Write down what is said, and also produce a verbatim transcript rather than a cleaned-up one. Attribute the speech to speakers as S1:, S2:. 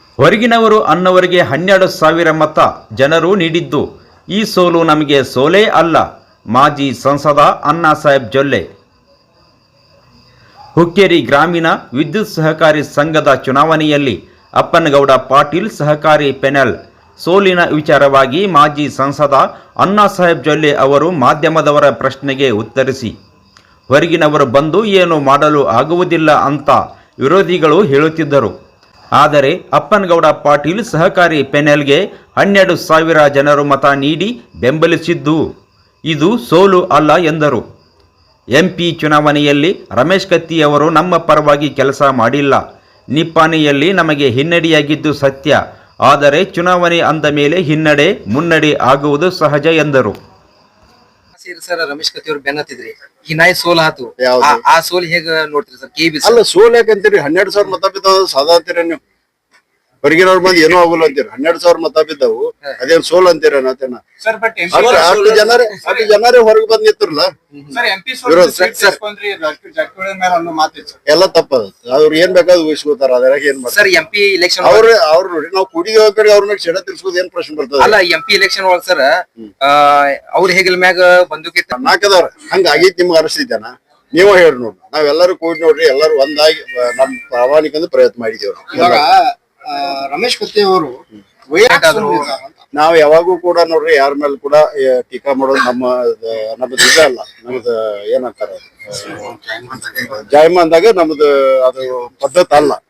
S1: ಹೊರಗಿನವರು ಅನ್ನವರಿಗೆ ಹನ್ನೆರಡು ಸಾವಿರ ಮತ ಜನರು ನೀಡಿದ್ದು ಈ ಸೋಲು ನಮಗೆ ಸೋಲೇ ಅಲ್ಲ. ಮಾಜಿ ಸಂಸದ ಅಣ್ಣಾಸಾಹೇಬ್ ಜೊಲ್ಲೆ. ಹುಕ್ಕೇರಿ ಗ್ರಾಮೀಣ ವಿದ್ಯುತ್ ಸಹಕಾರಿ ಸಂಘದ ಚುನಾವಣೆಯಲ್ಲಿ ಅಪ್ಪನಗೌಡ ಪಾಟೀಲ್ ಸಹಕಾರಿ ಪೆನಲ್ ಸೋಲಿನ ವಿಚಾರವಾಗಿ ಮಾಜಿ ಸಂಸದ ಅಣ್ಣಾಸಾಹೇಬ್ ಜೊಲ್ಲೆ ಅವರು ಮಾಧ್ಯಮದವರ ಪ್ರಶ್ನೆಗೆ ಉತ್ತರಿಸಿ, ಹೊರಗಿನವರು ಬಂದು ಏನು ಮಾಡಲು ಆಗುವುದಿಲ್ಲ ಅಂತ ವಿರೋಧಿಗಳು ಹೇಳುತ್ತಿದ್ದರು. ಆದರೆ ಅಪ್ಪನಗೌಡ ಪಾಟೀಲ್ ಸಹಕಾರಿ ಪೆನಲ್ಗೆ ಹನ್ನೆರಡು ಸಾವಿರ ಜನರು ಮತ ನೀಡಿ ಬೆಂಬಲಿಸಿದ್ದು ಇದು ಸೋಲು ಅಲ್ಲ ಎಂದರು. ಎಂಪಿ ಚುನಾವಣೆಯಲ್ಲಿ ರಮೇಶ್ ಕತ್ತಿ ಅವರು ನಮ್ಮ ಪರವಾಗಿ ಕೆಲಸ ಮಾಡಿಲ್ಲ. ನಿಪ್ಪಾಣಿಯಲ್ಲಿ ನಮಗೆ ಹಿನ್ನಡೆಯಾಗಿದ್ದು ಸತ್ಯ. ಆದರೆ ಚುನಾವಣೆ ಅಂದ ಮೇಲೆ ಹಿನ್ನಡೆ ಮುನ್ನಡೆ ಆಗುವುದು ಸಹಜ ಎಂದರು.
S2: ಸರ್ ರಮೇಶ್ ಕತ್ತಿ ಅವರು ಬೆನ್ನತ್ತಿದ್ರಿ ಹಿನಾಯಿ ಸೋಲ್ ಆತು, ಆ ಸೋಲ್ ಹೇಗ ನೋಡ್ತೀರಿ ಸರ್? ಕೆ ಬಿ
S3: ಅಲ್ಲ ಸೋಲ್ ಯಾಕಂತೀರಿ? ಹನ್ನೆರಡು ಸಾವಿರ ಮತ ಬಿದ್ದಾವ ಸಾದಾ ಅಂತೀರ ನೀವು? ಹೊರಗಿನವ್ರ ಮಂದಿ ಏನೋ ಆಗುಲ್ಲ ಅಂತೀರ. ಹನ್ನೆರಡು ಸಾವಿರ ಮತ ಬಿದ್ದಾವು, ಅದೇನ್ ಸೋಲ್ ಅಂತೀರ? ಅಷ್ಟು ಜನರೇ ಅಷ್ಟು ಜನರೇ ಹೊರಗೆ ಬಂದ್ ನಿಂತಿರಲ್ಲ, ಎಲ್ಲ ತಪ್ಪದ. ಅವ್ರು ಏನ್ ಬೇಕಾದ್ರು ಊಹಿಸ್ಕೋತಾರ, ಅದ್ರಾಗ ಏನ್ ಮಾಡ್ತಾರೆ?
S2: ಎಂಪಿ ಇಲೆಕ್ಷನ್
S3: ಅವ್ರ ಅವ್ರು ನೋಡಿ ನಾವು ಕುಡಿದ ಕಡೆ ಅವ್ರ ಮೇಲೆ ಸೆಡ ತಿರ್ಸ್ಕೋದ್ ಏನ್ ಪ್ರಶ್ನೆ ಬರ್ತದೆ?
S2: ಅಲ್ಲ ಎಂಪಿ ಇಲೆಕ್ಷನ್ ಒಳಗ್ ಸರ್ ಅವ್ರ ಹೇಗಿಲ್ ಮ್ಯಾಗ ಬಂದೂಕಿ
S3: ನಾಲ್ಕದವ್ರ ಹಂಗ ಆಗೈತಿ ನಿಮ್ಗೆ ಅನಿಸ್ತಿದ್ದಾನ? ನೀವ ಹೇಳ್ರಿ ನೋಡ್ರಿ. ನಾವೆಲ್ಲರೂ ಕೂಡಿ ನೋಡ್ರಿ, ಎಲ್ಲರೂ ಒಂದಾಗಿ ನಮ್ ಪ್ರಾಮಾಣಿಕ ಪ್ರಯತ್ನ ಮಾಡಿದೇವ್ರಿ.
S4: ಇವಾಗ ರಮೇಶ್ ಕತ್ತಿ ಅವರು
S3: ನಾವ್ ಯಾವಾಗೂ ಕೂಡ ನೋಡ್ರಿ ಯಾರ ಮೇಲೆ ಕೂಡ ಟೀಕಾ ಮಾಡೋದು ನಮ್ಮ ನಮ್ದು ಇದ ಅಲ್ಲ. ನಮ್ದು ಏನಂತಾರ ಜಾಯಮಾನ್ದಾಗ ನಮ್ದು ಅದು ಪದ್ಧತಿ ಅಲ್ಲ.